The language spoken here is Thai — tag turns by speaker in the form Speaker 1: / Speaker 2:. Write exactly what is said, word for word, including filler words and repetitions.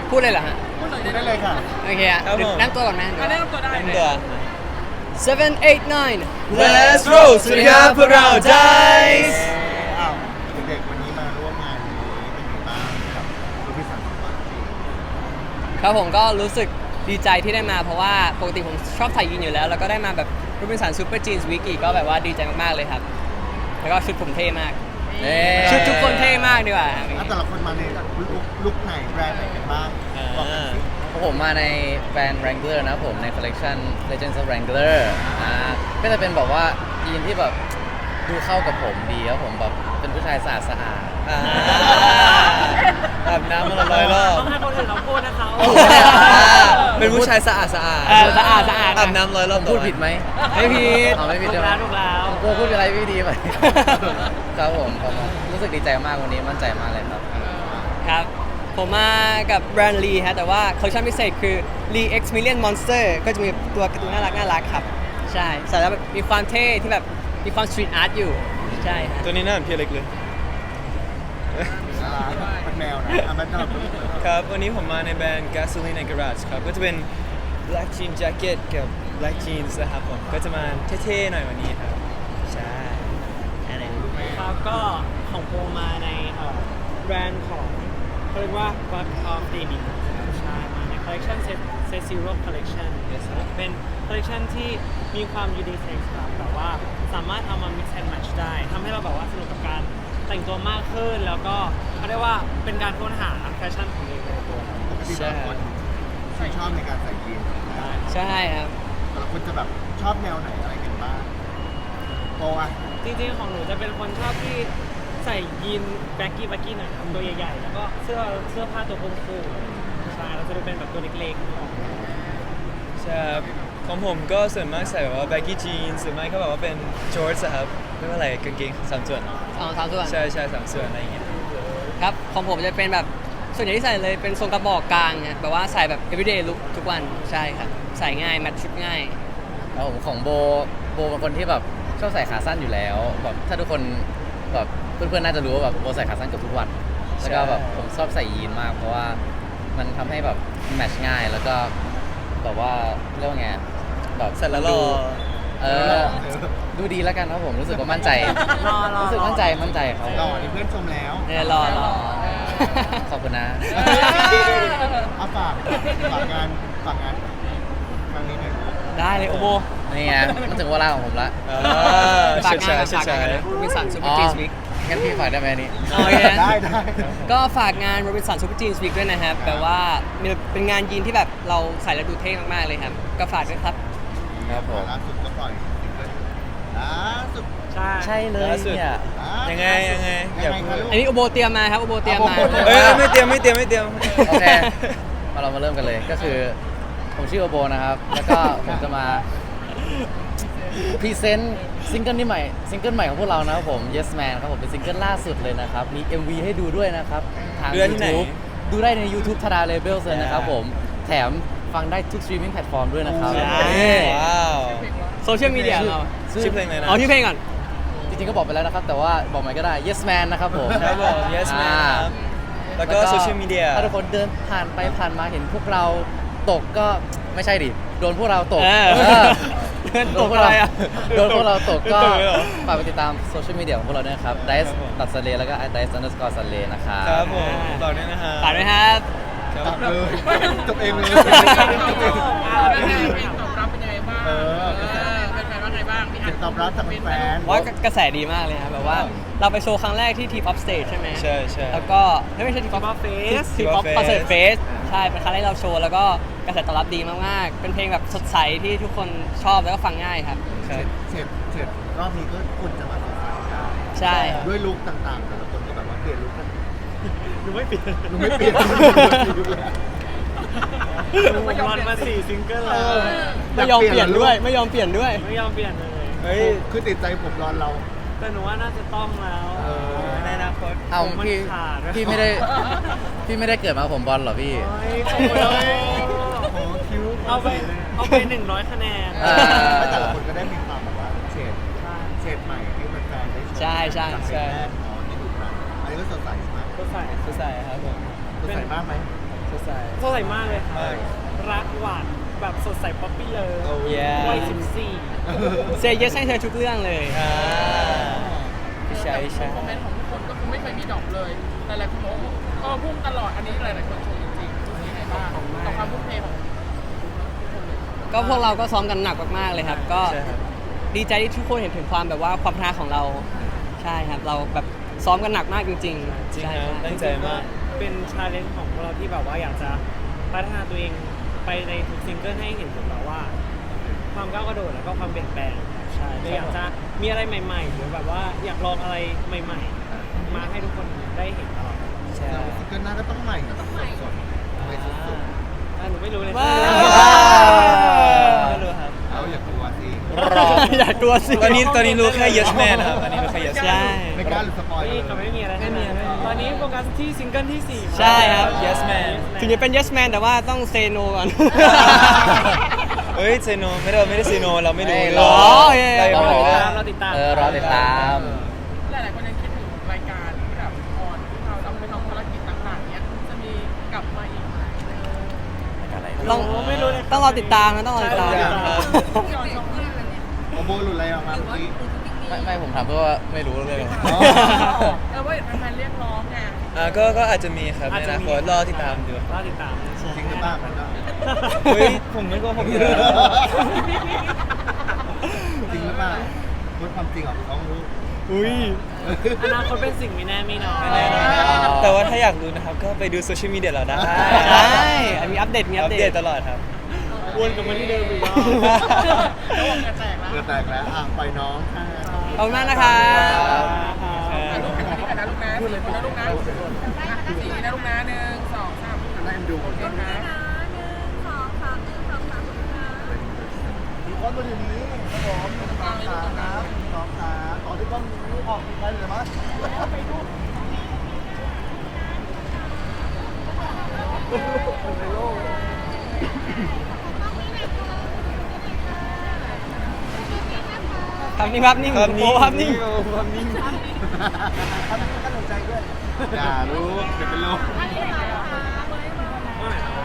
Speaker 1: พูดเลยเหรอฮะ
Speaker 2: พูดได้เลยค่ะ
Speaker 1: โอเคอะ
Speaker 3: ครับผม
Speaker 1: นั่งตัวก่อนไหม
Speaker 4: แนะนำตัวได้
Speaker 3: เป็นตัว
Speaker 1: seven eight nine
Speaker 3: Let's roll สวัสดีครับพวกเรา Dice
Speaker 2: อ้าวเด็กๆวันนี้มาร่วมงานนี้เป็นไงบ้างกับรูปพิสันของเรา
Speaker 1: ครับผมก็รู้สึกดีใจที่ได้มาเพราะว่าปกติผมชอบถ่ายยินอยู่แล้ว แล้วก็ได้มาแบบรูปเป็นสารซูเปอร์จีนส์วิกอีกก็แบบว่าดีใจมากๆเลยครับ แล้วก็ชุดผมเท่มาก ชุดทุกคนเท่มากดีกว่า
Speaker 2: อ่ะแต่ละคนมาในลุคลุคไหนแบรนด์ไหนกันบ้างบอกกันสิ
Speaker 5: ผมมาในแบรนด์ Wrangler นะครับผมในคอลเลกชัน Legends of Wrangler อ่าก็จะเป็นแบบว่ายีนที่แบบดูเข้ากับผมดีครับผมแบบเป็นผู้ชายสะอาดสะอาด
Speaker 3: อ่าอาบน้ำมาละร้อยรอบ
Speaker 4: ต้องให้คนอื่นเราพูดนะคะ
Speaker 3: เป็นผู้ชายสะอาดสะอาด
Speaker 1: เออสะอาดสะอาด
Speaker 3: อาบน้ำร้อยรอบ
Speaker 5: พูดผิดไหม
Speaker 1: ไม่ผิด
Speaker 5: อ๋อไม่ผิด
Speaker 4: ถู
Speaker 5: ใช่
Speaker 4: ก
Speaker 5: ไหม
Speaker 4: แล้วถูกแล้ว
Speaker 5: ผมกลัวพูดอะไรไม่ดีไป ครับผมผมรู้สึกดีใจมากวันนี้มั่นใจมากเลยครับ
Speaker 1: ครับ ผมมากับแบรนด์ลีฮะแต่ว่าคอลเลคชันพิเศษคือ Lee X Million Monster ก็จะมีตัวการ์ตูนน่ารักน่ารักครับ ใช่ใส่แล้วแบบมีความเท่ที่แบบมีความสตรีทอาร์ตอยู่ ใช่ฮะ
Speaker 3: ตัวนี้น่าเหมือนพี่เล็กเลย
Speaker 2: อ่าเป็นแมวนะอ่ะมันสำหรับ
Speaker 3: ครับ วันนี้ผมมาในแบรนด์ Gasoline and Garage ครับ ก็จะเป็น black jean jacket กับ black jeans นะครับผม ก็จะมาเท่ๆหน่อยวันนี้ครับ ใช่อะไร
Speaker 4: ครับก็ของโปรมาในเอ่อแบรนด์ของเขาเรียกว่า Buck of Daily ใช่มาในคอลเลคชันเซตเซตซีโร่คอลเลคชันเป็นคอลเลคชันที่มีความยูนิเซ็กซ์ครับแต่ว่าสามารถเอามา mix and match ได้ทำให้เราแบบว่าสนุกกับการแต่งตัวมากขึ้น แล้วก็เขาเรียกว่าเป็นการค้นหาแฟชั่นของเองในตัว
Speaker 2: ปกติแต่ละคนชื่นชอบในการใส่ยีนส์นะ
Speaker 1: ใช่ครับ
Speaker 2: แต่ละคนจะแบบชอบแนวไหนอะไรกันบ้างโปรอ่ะ
Speaker 4: จริงๆของหนูจะเป็นคนชอบที่ใส่ยีนแบ็กกี้แบ็กกี้หน่อยครับตัวใหญ่ๆ แล้วก็เสื้อเสื้อผ้าตัวคู่ๆใช่เราจะดูเป็นแบบตัวเล็กๆ
Speaker 3: ใช่ครับของผมก็ส่วนมากใส่แบบว่า baggy jeans หรือไม่ก็แบบว่าเป็น shorts อะครับไม่ว่าอะไรกางเกงสามส่วน
Speaker 1: สองสามส่วน
Speaker 3: ใช่ใช่สามส่วนอะไรอย่างเงี้ย
Speaker 1: ครับ ของผมจะเป็นแบบส่วนใหญ่ที่ใส่เลยเป็นทรงกระบอกกลางฮะแบบว่าใส่แบบ everyday look ทุกวันใช่ครับ ใส่ง่ายแมทชุดง่าย
Speaker 5: แล้วผมของโบโบเป็นคนที่แบบชอบใส่ขาสั้นอยู่แล้วแบบถ้าทุกคนแบบเพื่อนๆน่าจะรู้ว่าแบบโบใส่ขาสั้นเกือบทุกวันแล้วก็แบบผมชอบใส่ยีนมาก เพราะว่ามันทำให้แบบแมทช์ง่ายแล้วก็แบบว่าเรียกว่าไงแบบ
Speaker 3: ใส่แล้วรอ
Speaker 5: ดูเออดูดีแล้วกันครับผมรู้สึกว่ามั่นใจ
Speaker 4: รอรอ
Speaker 5: รู้สึกมั่นใจมั่นใจครับ
Speaker 2: หล่อนี่เพื่อนชมแล้ว
Speaker 1: เนี่ยรอรอ
Speaker 5: ขอบคุณนะ
Speaker 2: เอาฝากฝากงานฝากงานครั้งนี้หน่อยลูก
Speaker 1: ได้เลยโอโบ
Speaker 5: นี่ไงมันถึงเวลาของผมละ
Speaker 3: อ่า
Speaker 1: ฝาก
Speaker 3: เชิด
Speaker 1: งาน
Speaker 3: ชาย
Speaker 1: ฝาก
Speaker 3: เชิด
Speaker 1: งาน
Speaker 3: ชาย
Speaker 1: นะวินสันซูเปอ
Speaker 5: อ๋
Speaker 1: ร์
Speaker 5: อ
Speaker 1: จีนส์วิก
Speaker 5: งั้นพี่ฝากได้ไหมอันนี้
Speaker 1: โอเค
Speaker 2: ได้ได้
Speaker 1: ก็ฝากงาน Robinson Super Jeans Week ด้วยนะครับแบบว่ามีเป็นงานยีนที่แบบเราใส่แล้วดูเท่มากๆเลยครับ ก็ฝากด้วยครับ
Speaker 5: ครับผม
Speaker 2: ล่าสุดก็ปล่อยซิงเกิลล่าสุด
Speaker 4: ใช่
Speaker 5: ใช่เลย
Speaker 3: ล่าสุด
Speaker 5: เนี่ย
Speaker 2: อ่า
Speaker 3: ยังไงยังไงอย่าพูด
Speaker 2: คะลูก
Speaker 1: อันนี้โอโบเตรียมมาครับโอโบเตรียมมา
Speaker 2: เอาโอโบ
Speaker 3: เอ้ยไม่เตรียมไม่เตรียมไม่เตรียม
Speaker 5: โอเค มาเรามาเริ่มกันเลย ก็คือผมชื่อโอโบนะครับ แล้วก็ผมจะมาพรีเซนต์ซิงเกิลนี้ใหม่ ซิงเกิลใหม่ของพวกเรานะครับผม Yes Man ครับผม เป็นซิงเกิลล่าสุดเลยนะครับ มี เอ็ม วี ให้ดูด้วยนะครับ ทาง
Speaker 3: ดูได้ที่ไหน
Speaker 5: YouTube ดูได้ใน YouTube ทาราเลเบลเลยนะครับผม แถมฟังได้ทุกสตรีมมิ่งแพลตฟอร์มด้วยนะครับ
Speaker 1: ใช่
Speaker 3: ว้าว
Speaker 1: โซเชียลมีเดียเรา
Speaker 3: ชื่อเพลงอะไรนะ
Speaker 1: เอาที่เพลงก่อน
Speaker 5: จริงๆก็บอกไปแล้วนะครับ แต่ว่าบอกใหม่ก็ได้ Yes Man นะครับผม
Speaker 3: ครับผม Yes Man
Speaker 5: อ่า
Speaker 3: ครับแล้วก็โซเชียลมีเดีย
Speaker 5: ถ้าทุกคนเดินผ่านไปผ่านมาเห็นพวกเราตกก็ไม่ใช่ดิ โดนพวกเราตก
Speaker 1: เออ
Speaker 5: เออ
Speaker 1: เดิน
Speaker 5: โด
Speaker 1: ต
Speaker 5: น
Speaker 1: ก
Speaker 5: พวก
Speaker 1: อะไร
Speaker 5: เรา
Speaker 1: อ่ะ
Speaker 5: โดนพวกเราตกก็
Speaker 3: โดนตกเลยเหรอ
Speaker 5: ฝากไปติดตามโซเชียลมีเดียของพวกเราด้วยนะครับ Dice ตัดสเลแล้วก็ Dice underscore สเลนะครับ
Speaker 3: ครับผมต่อด้วยนะฮะ
Speaker 1: ฝากด้วยครับ
Speaker 3: ครับ
Speaker 2: ตัดเลยจบเองเลย
Speaker 6: เพลงตอบรับเป็นยังไงบ้าง
Speaker 2: เออ
Speaker 6: เป็นแฟนว่าไงบ้างพี่
Speaker 2: เสียงตอบรับจากแฟน
Speaker 1: ว่ากระแสดีมากเลยครับแบบว่าเราไปโชว์ครั้งแรกที่ทีป๊อปสเตจใช่ไหม
Speaker 3: ใช่ใช่
Speaker 1: แล้วก็ไม่ใช่ทีป๊อป
Speaker 4: T-pop Fest
Speaker 1: ทีป๊อป
Speaker 3: T-pop
Speaker 1: คอนเสิร์ต
Speaker 3: Fest
Speaker 1: เฟสใช่เป็นครั้งแรกเราโชว์แล้วก็กระแสตอบรับดีมากๆ เป็นเพลงแบบสดใสที่ทุกคนชอบแล้วก็ฟังง่ายครับ
Speaker 3: ครับ
Speaker 2: เสร็จเสร็จรอบนี้ก็คุณจะมาสดใสได้
Speaker 1: ใช่
Speaker 2: ด้วยลุคต่างๆ แต่ละคนก็แบบว่าเปลี่ยนลุคกัน
Speaker 4: หนูไม่เปลี่ยน
Speaker 2: ลุคไม่เปลี่ยน
Speaker 4: หนูวันมาสี่ซิงเกิล
Speaker 2: เอ
Speaker 4: แล้ว
Speaker 2: อ
Speaker 1: ไม่ยอมเปลี่ยนด้วย ไม่ยอมเปลี่ยนด้วย
Speaker 4: ไม่ยอมเปลี่ยนเลย
Speaker 3: เฮ้ย
Speaker 2: คือติดใจผมรอนเรา
Speaker 4: แต่หนูว่าน่าจะต้องแล้ว
Speaker 2: เออ
Speaker 3: ในอนาคต
Speaker 5: เอา
Speaker 4: มัน
Speaker 5: พี่
Speaker 4: ขาด
Speaker 5: พี่ไม่ได้ พี่ไม่ได้เกิดมาผมบอลเหรอพี่
Speaker 4: เฮ้ยขอบคุณเลย
Speaker 2: โอ้คิ้ว
Speaker 4: เอาไปเอาไปหนึ่งร้อยคะแนน
Speaker 5: อ่า
Speaker 2: แล้วแต่ละคนก็ได้มีความแบบว่าเฉดเฉดใหม่ให้แฟนๆได้ชม
Speaker 1: ใช่ใช่
Speaker 2: จากเพลงแรกเนาะที่ดูกันอันนี้ก็สดใสมาก
Speaker 4: ก็ใส่
Speaker 3: สดใสครับผม
Speaker 2: สดใสมากไหม
Speaker 3: สดดใส
Speaker 4: สดใสมากเลยค่ะ
Speaker 3: มาก
Speaker 4: รักหวานแบบสดใสป๊อปปี้เลย
Speaker 3: Oh yeah
Speaker 4: วัยสิบสี่
Speaker 1: เซย์เยสให้เธอทุกเรื่องเลย
Speaker 3: อ่าพี่ชายพี่ชาย
Speaker 6: คอมเมนต์ของทุกคนก็คือไม่เคยมีดรอปเลยหลายๆคนบอกว่าก็พุ่งตลอดอันนี้หลายๆคนชมจริงๆรู้สึกยังไงบ้างกับความพุ่งเทของทุกคนเลย
Speaker 1: ก็พวกเราก็ซ้อมกันหนักมากๆเลยครับ ก็
Speaker 3: ใช่ครับ
Speaker 1: ดีใจที่ทุกคนเห็นถึงความแบบว่าความพลาของเราใช่ครับ เราแบบซ้อมกันหนักมากจริงๆ
Speaker 3: จริง
Speaker 1: ใช่
Speaker 3: ครับ
Speaker 1: ใช่
Speaker 3: ตั้งใจมาก
Speaker 4: เป็นชาเลนจ์ของพวกเราที่แบบว่าอยากจะพัฒนาตัวเองไปในทุกซิงเกิลให้เห็นถึงแบบว่า ความก้าวกระโดดแล้วก็ความเปลี่ยนแปลงใช่เลยอยากจะมีอะไรใหม่ๆหรือแบบว่าอยากลองอะไรใหม่ๆ มาให้ทุกคนได้เห็นตลอด
Speaker 3: ใช่
Speaker 2: ซิงเกิลหน้าก็ต้องใหม่ต้องใหม่สดใหม่สุด
Speaker 4: อ่าหนูไม่รู้เลย
Speaker 1: ว้าว
Speaker 3: ไม่รู้ครับ
Speaker 2: ๆเอาอย่ากลัวสิ
Speaker 3: รอ
Speaker 1: อย่ากลัวสิ
Speaker 3: ตอนนี้ตอนนี้รู้แค่ yes man นะครับตอนนี้รู้แค่ yes
Speaker 1: ใช่
Speaker 3: man
Speaker 2: ไม่กล้าหรือสปอยล์
Speaker 4: นี่
Speaker 2: เล
Speaker 4: ก็
Speaker 2: ย
Speaker 4: ไม่มีอะไรให้มาตอนนี้โฟกัสที่ซิงเกิลที่สี่
Speaker 1: ใช่ครับ
Speaker 3: Yes Man
Speaker 1: ถึงจะเป็น yes man แต่ว่าต้อง say no ก่อน
Speaker 3: เฮ้ยเซโนไม่ได้ไม่ได้เซโนเราไม่รู้
Speaker 5: ไม่
Speaker 3: เรา
Speaker 1: อ๋อโอเค
Speaker 3: เรา
Speaker 4: เรา
Speaker 3: ยัง
Speaker 4: ติ
Speaker 3: ไม่
Speaker 4: ด
Speaker 3: รู้
Speaker 4: ตามเราติดตาม
Speaker 5: เออรอติดตาม
Speaker 6: หลายๆคนยังคิดถึงรายการที่แบบออนที่เราต้องไปทำภารกิจต่างๆเนี้ยจะมีกลับมาอีกไหม
Speaker 1: ต้อง
Speaker 4: โอ้ไม่รู้เลย
Speaker 1: ต้องรอติดตามนะต้องรอติดตาม
Speaker 4: ใช่
Speaker 6: ย้อนชมเรื่องอะไรเนี่ย
Speaker 2: โอโบหลุดอะไรออกมาเมื่อกี้
Speaker 5: ไม่ไม่ผมถามเพื่อว่าไม่รู้เรื่อง
Speaker 2: อ๋อ
Speaker 6: เออว่าเห็นแฟนๆเรียกร้องไง
Speaker 3: อ่าก็ก็อาจจะมีครับ
Speaker 4: อาจ
Speaker 3: ใน
Speaker 4: จะ
Speaker 3: อนา
Speaker 4: มี
Speaker 3: คตรอติดตามดู
Speaker 4: รอติดตาม
Speaker 2: จริงหรือเปล่ามันก็
Speaker 3: เฮ้ยผมไม่โกหกอยู่แล้ว
Speaker 2: จริงหรือเปล่าพูดความจริงออกต้องรู้
Speaker 1: อุ้ย
Speaker 4: อนาคตเป็นสิ่งไม่แน่ไม่นอน
Speaker 3: ไม่แน่นอนแต่ว่าถ้าอยากรู้นะครับก็ไปดูโซเชียลมีเดียเราได้
Speaker 1: ใช่มีอัปเดตมีอั
Speaker 3: อั
Speaker 1: ป
Speaker 3: ป
Speaker 1: เด
Speaker 3: เด
Speaker 1: ต
Speaker 3: ตตลอดครับ
Speaker 4: วนกลับมาที่เดิมอีกรอบ
Speaker 6: ระหว่างกระแตกแล้ว
Speaker 2: เกิดแตกแล้วอ่ะปล่อยน้องค่ะ
Speaker 1: ขอบคุณมากนะครับ
Speaker 6: อ่ะลูกอันนี้กันนะลูกนะสี่คนนะลูกนะสี่นะลูกนะหนึ่งสองสาม
Speaker 2: ได้ดู
Speaker 6: โอเคนะ
Speaker 2: มีคนมาอยู่นี้ครับผมหนึ่งสองสามครับสองขาต่อที่กล้องนี้ออกไปเลยมั้ย
Speaker 1: ครับนิ่งครับนิ่ง
Speaker 3: ครับนิ่ง
Speaker 1: โอ้ครับนิ่ง
Speaker 3: ครับนิ่ง
Speaker 2: อย่ารู้เดี๋ยวเป็นลม
Speaker 6: อันนี้อะไรคะ
Speaker 4: ว่าไงครับ